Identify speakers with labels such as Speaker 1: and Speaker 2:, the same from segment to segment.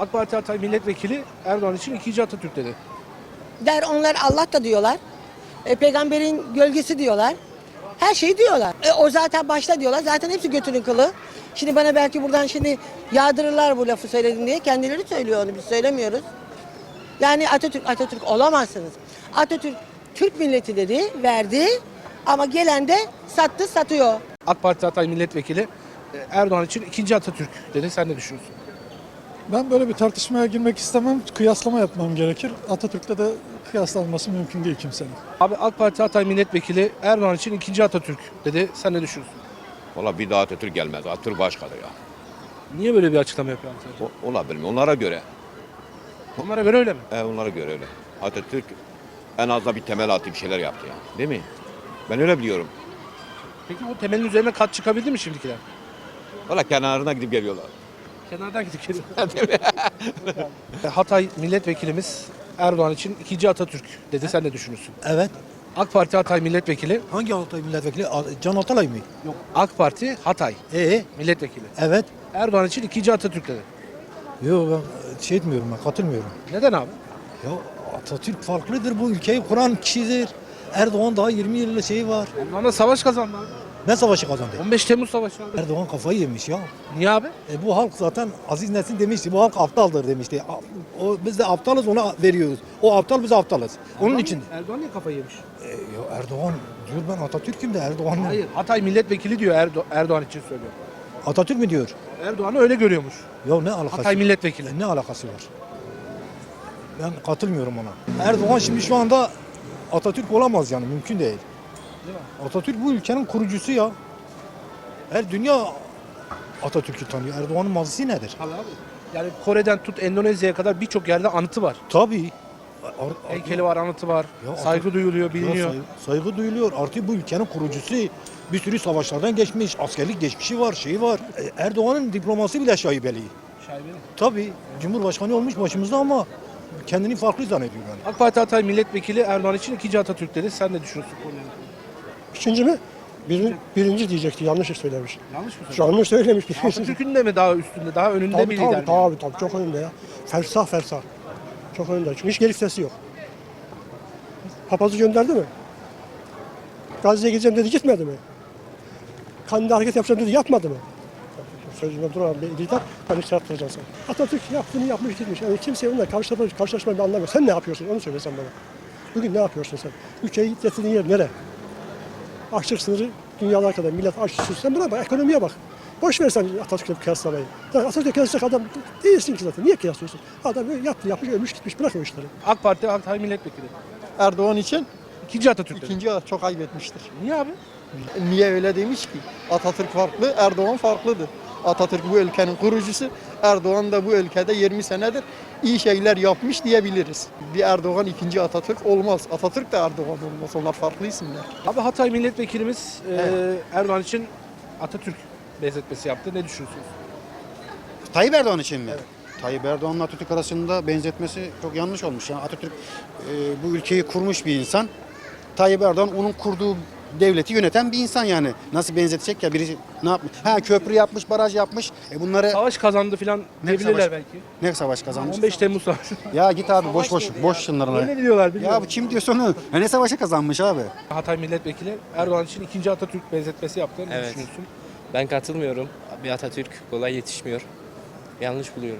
Speaker 1: AK Parti Hatay Milletvekili Erdoğan için ikinci Atatürk dedi.
Speaker 2: Der onlar Allah da diyorlar. Peygamberin gölgesi diyorlar. Her şeyi diyorlar. O zaten başta diyorlar. Zaten hepsi götünün kılı. Şimdi bana belki buradan şimdi yağdırırlar bu lafı söyledin diye. Kendileri söylüyor onu, biz söylemiyoruz. Yani Atatürk olamazsınız. Atatürk Türk milleti dedi, verdi ama gelen de sattı, satıyor.
Speaker 1: AK Parti Hatay Milletvekili Erdoğan için ikinci Atatürk dedi. Sen ne düşünüyorsun?
Speaker 3: Ben böyle bir tartışmaya girmek istemem. Kıyaslama yapmam gerekir. Atatürk'le de kıyaslanması mümkün değil kimsenin.
Speaker 1: Abi AK Parti Hatay Milletvekili Erdoğan için ikinci Atatürk dedi. Sen ne düşünüyorsun?
Speaker 4: Valla bir daha Atatürk gelmez. Atatürk başkadır ya.
Speaker 1: Niye böyle bir açıklama yapıyor Atatürk?
Speaker 4: Olabilir mi? Onlara göre.
Speaker 1: Onlara göre öyle mi?
Speaker 4: Onlara göre öyle. Atatürk en az da bir temel attı, bir şeyler yaptı ya. Değil mi? Ben öyle biliyorum.
Speaker 1: Peki o temelin üzerine kat çıkabildi mi şimdikiler?
Speaker 4: Valla kenarına gidip geliyorlar.
Speaker 1: Kenardan gidip geliyor. Hatay Milletvekilimiz Erdoğan için ikinci Atatürk dedi. Sen ne düşünüyorsun?
Speaker 5: Evet.
Speaker 1: AK Parti Hatay Milletvekili.
Speaker 5: Hangi Hatay milletvekili? Can Atalay mı?
Speaker 1: Yok. AK Parti Hatay Milletvekili.
Speaker 5: Evet.
Speaker 1: Erdoğan için ikinci Atatürk dedi.
Speaker 5: Yok ben şey etmiyorum, ben katılmıyorum.
Speaker 1: Neden abi?
Speaker 5: Ya Atatürk farklıdır, bu ülkeyi kuran kişidir. Erdoğan daha 20 yıllık şeyi var.
Speaker 1: Onlarla savaş kazandı abi.
Speaker 5: Ne savaşı kazandı?
Speaker 1: 15 Temmuz Savaşı abi.
Speaker 5: Erdoğan kafayı yemiş ya.
Speaker 1: Niye abi?
Speaker 5: Bu halk zaten Aziz Nesin demişti, bu halk aptaldır demişti. Biz de aptalız, ona veriyoruz. O aptal, biz aptalız. Onun için.
Speaker 1: Erdoğan niye kafayı yemiş?
Speaker 5: Ya Erdoğan diyor, ben Atatürk'üm de Erdoğan mı?
Speaker 1: Hayır. Hatay Milletvekili diyor Erdoğan için söylüyor.
Speaker 5: Atatürk mü diyor?
Speaker 1: Erdoğan'ı öyle görüyormuş.
Speaker 5: Ya ne alakası
Speaker 1: Hatay Milletvekili.
Speaker 5: Ne alakası var? Ben katılmıyorum ona. Erdoğan şimdi şu anda Atatürk olamaz yani, mümkün değil. Atatürk bu ülkenin kurucusu ya. Her dünya Atatürk'ü tanıyor. Erdoğan'ın mazisi nedir?
Speaker 1: Tabii abi. Yani Kore'den tut Endonezya'ya kadar birçok yerde anıtı var.
Speaker 5: Tabii.
Speaker 1: Heykeli var, anıtı var.
Speaker 5: Ya
Speaker 1: Saygı duyuluyor,
Speaker 5: Ya
Speaker 1: biliniyor.
Speaker 5: saygı duyuluyor. Artık bu ülkenin kurucusu, bir sürü savaşlardan geçmiş, askerlik geçmişi var, şeyi var. Erdoğan'ın diploması bile şaibeli.
Speaker 1: Şaibeli.
Speaker 5: Tabii. Cumhurbaşkanı olmuş başımızda ama kendini farklı zannediyor yani.
Speaker 1: AK Parti Hatay Milletvekili Erdoğan için ikinci Atatürk dedi. Sen ne düşünüyorsun konuya?
Speaker 6: İkinci mi? Birinci diyecekti. Yanlış söylemiş.
Speaker 1: Yanlış mı söylüyorsun?
Speaker 6: Yanlış söylemiş.
Speaker 1: Atatürk'ün de mi daha üstünde, daha önünde mi
Speaker 6: Tabii
Speaker 1: lider?
Speaker 6: tabii çok önünde ya. Fersah. Çok önünde. Çünkü hiç geri vitesi yok. Papazı gönderdi mi? Gazze'ye gideceğim dedi, gitmedi mi? Kandil'de hareket yapacağım dedi, yapmadı mı? Sözüme duran bir lider, ben hiç yaptıracaksın. Atatürk yaptığını yapmış gitmiş. Yani kimse onunla karşılaşmayı ben anlamıyorum. Sen ne yapıyorsun? Onu söyle sen bana. Bugün ne yapıyorsun sen? Ülkeyi getirdiğin yer nere? Açlık sınırı dünyada kadar millet aç susuz. Sen buna bak, ekonomiye bak. Boş ver sen Atatürk'le kıyaslamayı. Atatürk'le kıyaslayacak adam değilsin ki zaten. Niye kıyaslıyorsun? Adam böyle yapmış, ölmüş gitmiş. Bırak o işleri.
Speaker 1: AK Parti Hatay Milletvekili.
Speaker 7: Erdoğan için
Speaker 1: İkinci Atatürk dedi.
Speaker 7: ikinci çok ayıp etmiştir.
Speaker 1: Niye abi?
Speaker 7: Niye öyle demiş ki? Atatürk farklı, Erdoğan farklıdır. Atatürk bu ülkenin kurucusu, Erdoğan da bu ülkede 20 senedir iyi şeyler yapmış diyebiliriz. Bir Erdoğan ikinci Atatürk olmaz. Atatürk de Erdoğan olmaz. Onlar farklı isimler.
Speaker 1: Abi Hatay Milletvekilimiz Erdoğan için Atatürk benzetmesi yaptı. Ne düşünüyorsunuz?
Speaker 8: Tayyip Erdoğan için mi? Evet. Tayyip Erdoğan'la Atatürk arasında benzetmesi çok yanlış olmuş. Yani Atatürk bu ülkeyi kurmuş bir insan. Tayyip Erdoğan onun kurduğu devleti yöneten bir insan yani. Nasıl benzetecek ya, birisi ne yapmış? Ha, köprü yapmış, baraj yapmış. Bunları
Speaker 1: Savaş kazandı filan diyebilirler
Speaker 8: savaş?
Speaker 1: belki.
Speaker 8: ne savaş kazanmış?
Speaker 1: 15 Temmuz Savaşı.
Speaker 8: Ya git abi, boş şunlarına.
Speaker 1: Ne diyorlar
Speaker 8: Ya
Speaker 1: bilmiyorum.
Speaker 8: bu kim diyorsa onu? Ne savaşı kazanmış abi?
Speaker 1: Hatay Milletvekili Erdoğan için ikinci Atatürk benzetmesi yaptı. Ne
Speaker 9: Evet.
Speaker 1: düşünüyorsun?
Speaker 9: Ben katılmıyorum. Bir Atatürk kolay yetişmiyor. Yanlış buluyorum.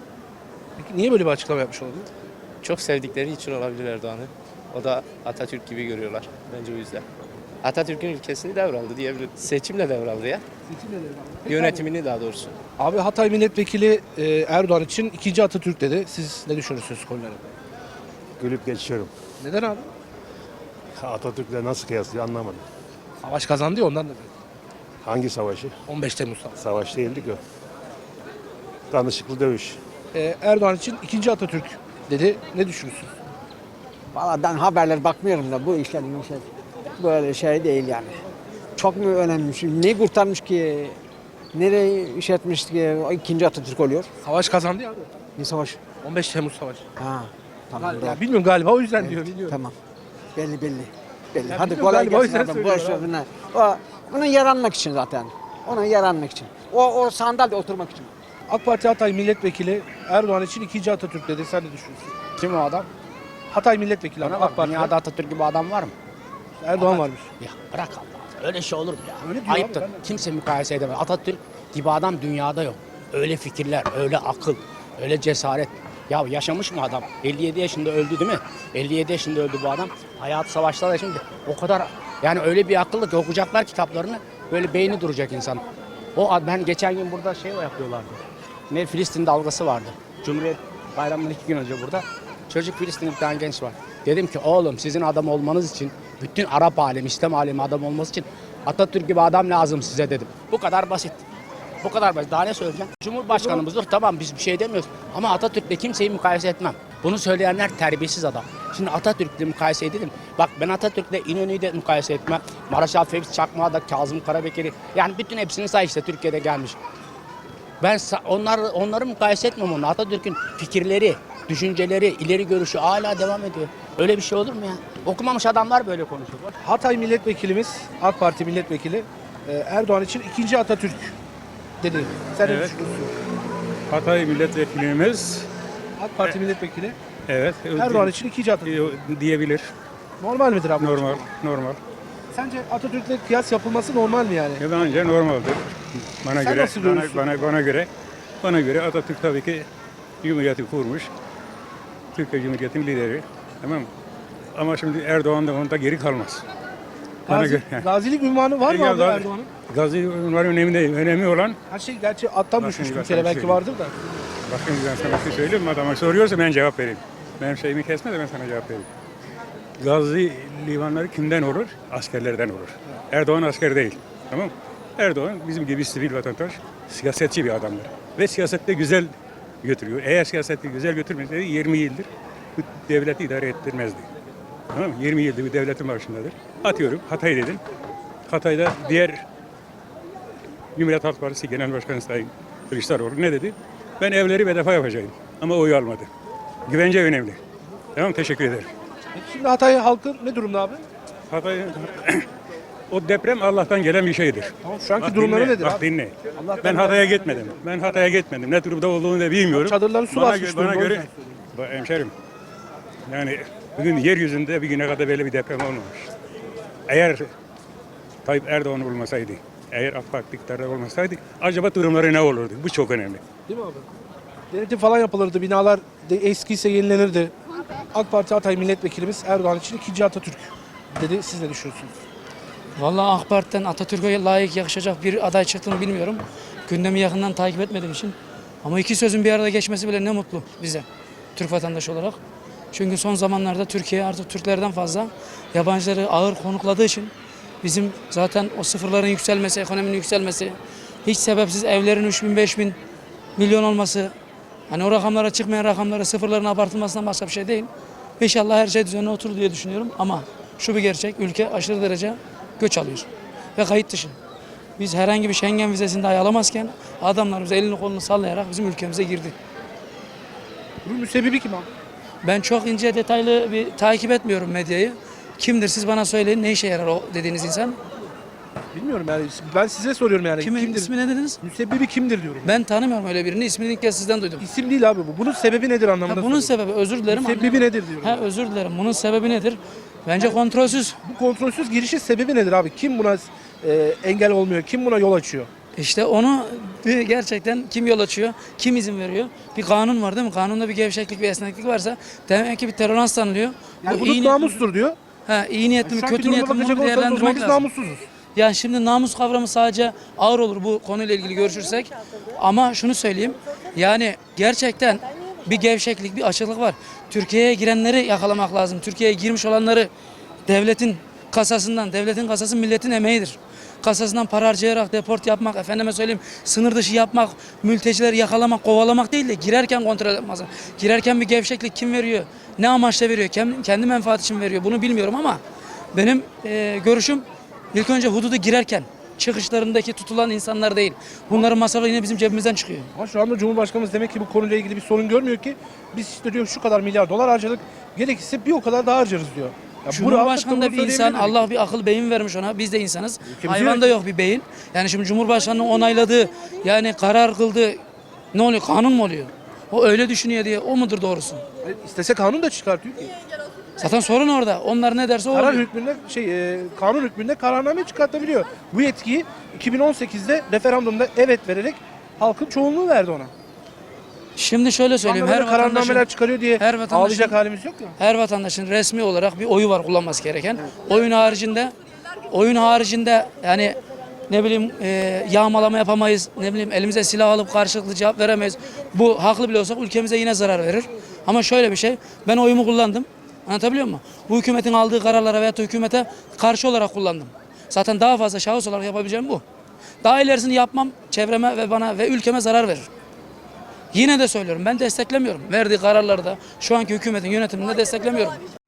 Speaker 1: Peki niye böyle bir açıklama yapmış olabilir?
Speaker 9: Çok sevdikleri için olabilir Erdoğan'ı. O da Atatürk gibi görüyorlar. Bence o yüzden. Atatürk'ün ülkesini devraldı diyebiliriz. Seçimle devraldı ya. Yönetimini daha doğrusu.
Speaker 1: Abi Hatay Milletvekili Erdoğan için ikinci Atatürk dedi. Siz ne düşünüyorsunuz konularda?
Speaker 10: Gülüp geçiyorum.
Speaker 1: Neden abi?
Speaker 10: Atatürk'le nasıl kıyaslıyor anlamadım.
Speaker 1: Savaş kazandı ya ondan da.
Speaker 10: Hangi savaşı?
Speaker 1: 15 Temmuz Savaşı.
Speaker 10: Savaş değildi ki o. Danışıklı dövüş.
Speaker 1: Erdoğan için ikinci Atatürk dedi. Ne düşünüyorsunuz?
Speaker 11: Valla ben haberler bakmıyorum da bu işler böyle şey değil yani. Çok mu önemli? Ne kurtarmış ki? Nereye iş etmiş ki o ikinci Atatürk oluyor?
Speaker 1: Savaş kazandı ya abi.
Speaker 11: Ne savaş?
Speaker 1: 15 Temmuz Savaşı.
Speaker 11: Ha, tamam.
Speaker 1: Ya
Speaker 11: doğru.
Speaker 1: bilmiyorum galiba o yüzden
Speaker 11: Evet,
Speaker 1: diyor. Biliyorum.
Speaker 11: Tamam. Belli.
Speaker 1: Ya
Speaker 11: Hadi
Speaker 1: biliyorum,
Speaker 11: kolay
Speaker 1: galiba o
Speaker 11: gelsin
Speaker 1: yüzden
Speaker 11: adam. Boş ver
Speaker 1: söylüyorum
Speaker 11: bunlar. Onun yaranmak için zaten. Onun yaranmak için. O sandalyede oturmak için.
Speaker 1: AK Parti Hatay Milletvekili Erdoğan için ikinci Atatürk dedi. Sen ne düşünüyorsun?
Speaker 11: Kim o adam?
Speaker 1: Hatay Milletvekili abi, AK Parti.
Speaker 11: Dünyada Atatürk gibi adam var mı?
Speaker 1: Erdoğan varmış.
Speaker 11: Ya bırak Allah. Öyle şey olur mu ya?
Speaker 1: Öyle diyor
Speaker 11: Ayıptır.
Speaker 1: abi, ben de-
Speaker 11: Kimse mukayese edemez. Atatürk gibi adam dünyada yok. Öyle fikirler, öyle akıl, öyle cesaret. Ya yaşamış mı adam? 57 yaşında öldü değil mi? 57 yaşında öldü bu adam. Hayatı savaşlarda şimdi o kadar yani öyle bir akıllı ki okuyacaklar kitaplarını böyle beyni duracak insan. Ben geçen gün burada yapıyorlardı. Ne Filistin dalgası vardı. Cumhuriyet Bayramı'ndan 2 gün önce burada. Çocuk Filistinli bir tane genç var. Dedim ki oğlum sizin adam olmanız için bütün Arap alemi, İslam alemi adam olması için Atatürk gibi adam lazım size dedim. Bu kadar basit. Bu kadar basit. Daha ne söyleyeceğim? Cumhurbaşkanımızdır tamam biz bir şey demiyoruz. Ama Atatürk'le kimseyi mukayese etmem. Bunu söyleyenler terbiyesiz adam. Şimdi Atatürk'le mukayese edelim. Bak ben Atatürk'le İnönü'yü de mukayese etmem. Maraşal Fevzi Çakmak'ı da Kazım Karabekir'i. Yani bütün hepsini say işte Türkiye'de gelmiş. Ben onları mukayese etmem onunla. Atatürk'ün fikirleri, düşünceleri, ileri görüşü hala devam ediyor. Öyle bir şey olur mu ya? Okumamış adamlar böyle konuşuyor.
Speaker 1: Hatay Milletvekilimiz, AK Parti Milletvekili Erdoğan için ikinci Atatürk dedi. Sen ne
Speaker 10: Evet.
Speaker 1: düşünüyorsun?
Speaker 10: Hatay milletvekilimiz
Speaker 1: AK Parti Milletvekili
Speaker 10: evet
Speaker 1: Erdoğan için ikinci Atatürk.
Speaker 10: diyebilir.
Speaker 1: Normal midir abi?
Speaker 10: Normal.
Speaker 1: Sence Atatürk'le kıyas yapılması normal mi yani?
Speaker 10: Bence normaldir. Bana
Speaker 1: Sen
Speaker 10: göre
Speaker 1: nasıl görüyorsun?
Speaker 10: bana göre Atatürk tabii ki Cumhuriyeti kurmuş. Türkiye Cumhuriyeti'nin lideri. Tamam mı? Ama şimdi Erdoğan da onda geri kalmaz. Bana göre.
Speaker 1: Gazilik ünvanı var mı
Speaker 10: Ya
Speaker 1: abi
Speaker 10: da-
Speaker 1: Erdoğan'ın?
Speaker 10: Gazi bunlar önemli değil. Önemli olan
Speaker 1: Her şey gerçi attan
Speaker 10: Bakın,
Speaker 1: düşmüş
Speaker 10: bakın,
Speaker 1: Türkiye'de belki
Speaker 10: söyleyeyim.
Speaker 1: vardır da.
Speaker 10: bakın ben sana bir şey söyleyeyim mi? Adama soruyorsa ben cevap vereyim. Benim şeyimi kesme de ben sana cevap vereyim. Gazi limanları kimden olur? Askerlerden olur. Erdoğan asker değil. Tamam mı? Erdoğan bizim gibi sivil vatandaş, siyasetçi bir adamdır. Ve siyasette güzel götürüyor. Eğer siyaseti güzel götürmeseydi 20 yıldır bu devleti idare ettirmezdi. Tamam mı? 20 yıldır bir devletin başındadır. Atıyorum Hatay dedim. Hatay'da diğer Cumhuriyet Halk Partisi Genel Başkanı Sayın Kılıçdaroğlu ne dedi? Ben evleri bedava yapacağım ama oyu almadı. Güvence önemli. Tamam teşekkür ederim.
Speaker 1: Peki şimdi Hatay halkı ne durumda abi?
Speaker 10: Hatay o deprem Allah'tan gelen bir şeydir.
Speaker 1: Tamam şu anki
Speaker 10: Bak
Speaker 1: durumları
Speaker 10: dinle,
Speaker 1: nedir
Speaker 10: bak
Speaker 1: abi?
Speaker 10: dinle.
Speaker 1: Allah'tan
Speaker 10: Ben Hatay'a gitmedim. Ne durumda olduğunu da bilmiyorum.
Speaker 1: Çadırların su basmış
Speaker 10: bana
Speaker 1: durumda, o
Speaker 10: göre
Speaker 1: yüzden
Speaker 10: hemşerim. Yani bugün yeryüzünde bir güne kadar böyle bir deprem olmamış. Eğer Tayyip Erdoğan olmasaydı, eğer AK Parti iktidarda olmasaydı acaba durumları ne olurdu? Bu çok önemli.
Speaker 1: Değil mi abi? Denetim falan yapılırdı, binalar eskiyse yenilenirdi. AK Parti Hatay Milletvekilimiz Erdoğan için ikinci Atatürk dedi. Siz ne düşünüyorsunuz?
Speaker 12: Vallahi AK Parti'den Atatürk'e layık yakışacak bir aday çıktığını bilmiyorum. Gündemi yakından takip etmediğim için. Ama iki sözün bir arada geçmesi bile ne mutlu bize, Türk vatandaşı olarak. Çünkü son zamanlarda Türkiye artık Türklerden fazla yabancıları ağır konukladığı için bizim zaten o sıfırların yükselmesi, ekonominin yükselmesi, hiç sebepsiz evlerin 3.000, 5.000 milyon olması, hani o rakamlara çıkmayan rakamlara sıfırların abartılmasından başka bir şey değil. İnşallah her şey düzenine oturur diye düşünüyorum ama şu bir gerçek, ülke aşırı derece göç alıyor ve kayıt dışı. Biz herhangi bir Schengen vizesini dahi alamazken adamlar bize elini kolunu sallayarak bizim ülkemize girdi.
Speaker 1: Bunun müsebbibi kim abi?
Speaker 12: Ben çok ince detaylı bir takip etmiyorum medyayı. Kimdir siz bana söyleyin, ne işe yarar o dediğiniz insan?
Speaker 1: Bilmiyorum yani. Ben size soruyorum yani.
Speaker 12: Kimdir? İsmi ne dediniz?
Speaker 1: Müsebbibi kimdir diyorum.
Speaker 12: Ben tanımıyorum öyle birini. İsmini ilk kez sizden duydum.
Speaker 1: İsim değil abi bu. Bunun sebebi nedir anlamında
Speaker 12: Bunun
Speaker 1: soruyorum.
Speaker 12: sebebi, özür dilerim.
Speaker 1: Müsebbibi nedir diyorum.
Speaker 12: Özür dilerim. Bunun sebebi nedir? Bence kontrolsüz.
Speaker 1: Bu kontrolsüz girişin sebebi nedir abi? Kim buna engel olmuyor? Kim buna yol açıyor?
Speaker 12: İşte onu gerçekten kim yol açıyor, kim izin veriyor? Bir kanun var değil mi? Kanunda bir gevşeklik, bir esneklik varsa demek ki bir tolerans tanınıyor.
Speaker 1: Yani
Speaker 12: Bu
Speaker 1: hudut
Speaker 12: iyi
Speaker 1: namustur diyor.
Speaker 12: iyi niyetli mi,
Speaker 1: Şu anki
Speaker 12: kötü
Speaker 1: duruma
Speaker 12: niyetli mi
Speaker 1: bakacak
Speaker 12: bunu
Speaker 1: olursanız o zaman
Speaker 12: değerlendirmek
Speaker 1: biz
Speaker 12: lazım.
Speaker 1: namussuzuz.
Speaker 12: Yani şimdi namus kavramı sadece ağır olur bu konuyla ilgili görüşürsek. Ama şunu söyleyeyim. Yani gerçekten bir gevşeklik, bir açıklık var. Türkiye'ye girenleri yakalamak lazım. Türkiye'ye girmiş olanları devletin kasasından, devletin kasası milletin emeğidir. Kasasından para harcayarak deport yapmak, efendime söyleyeyim sınır dışı yapmak, mültecileri yakalamak, kovalamak değil de girerken kontrol etmek lazım. Girerken bir gevşeklik kim veriyor? Ne amaçla veriyor? Kendi menfaat için veriyor. Bunu bilmiyorum ama benim görüşüm ilk önce hududa girerken çıkışlarındaki tutulan insanlar değil. Bunların masrafı yine bizim cebimizden çıkıyor.
Speaker 1: Ama şu anda Cumhurbaşkanımız demek ki bu konuyla ilgili bir sorun görmüyor ki. Biz işte diyor şu kadar milyar dolar harcadık. Gerekirse bir o kadar daha harcarız diyor. Ya
Speaker 12: Cumhurbaşkanı da bir insan,
Speaker 1: söyleyebilir miyim?
Speaker 12: Allah bir akıl beyin vermiş ona. Biz de insanız.
Speaker 1: Ülkemize-
Speaker 12: Hayvanda yok bir beyin. Yani şimdi Cumhurbaşkanı'nın onayladığı, yani karar kıldığı Ne oluyor? Kanun mu oluyor? O öyle düşünüyor diye o mudur doğrusu?
Speaker 1: İstese kanun da çıkartıyor ki.
Speaker 12: Zaten sorun orada. Onlar ne derse o
Speaker 1: Karar
Speaker 12: oluyor.
Speaker 1: hükmünde kanun hükmünde kararname çıkartabiliyor. Bu yetkiyi 2018'de referandumda evet vererek halkın çoğunluğu verdi ona.
Speaker 12: Şimdi şöyle söyleyeyim.
Speaker 1: Her kararnameler çıkarıyor diye
Speaker 12: her vatandaşın-
Speaker 1: ağlayacak halimiz yok ya.
Speaker 12: her vatandaşın resmi olarak bir oyu var kullanması gereken. Oyun haricinde yani ne bileyim yağmalama yapamayız. Ne bileyim elimize silah alıp karşılıklı cevap veremeyiz. Bu haklı bile olsak ülkemize yine zarar verir. Ama şöyle bir şey. Ben oyumu kullandım. Anlatabiliyor muyum? Bu hükümetin aldığı kararlara veyahut da hükümete karşı olarak kullandım. Zaten daha fazla şahıs olarak yapabileceğim bu. Daha ilerisini yapmam çevreme ve bana ve ülkeme zarar verir. Yine de söylüyorum ben desteklemiyorum. Verdiği kararları da şu anki hükümetin yönetiminde desteklemiyorum.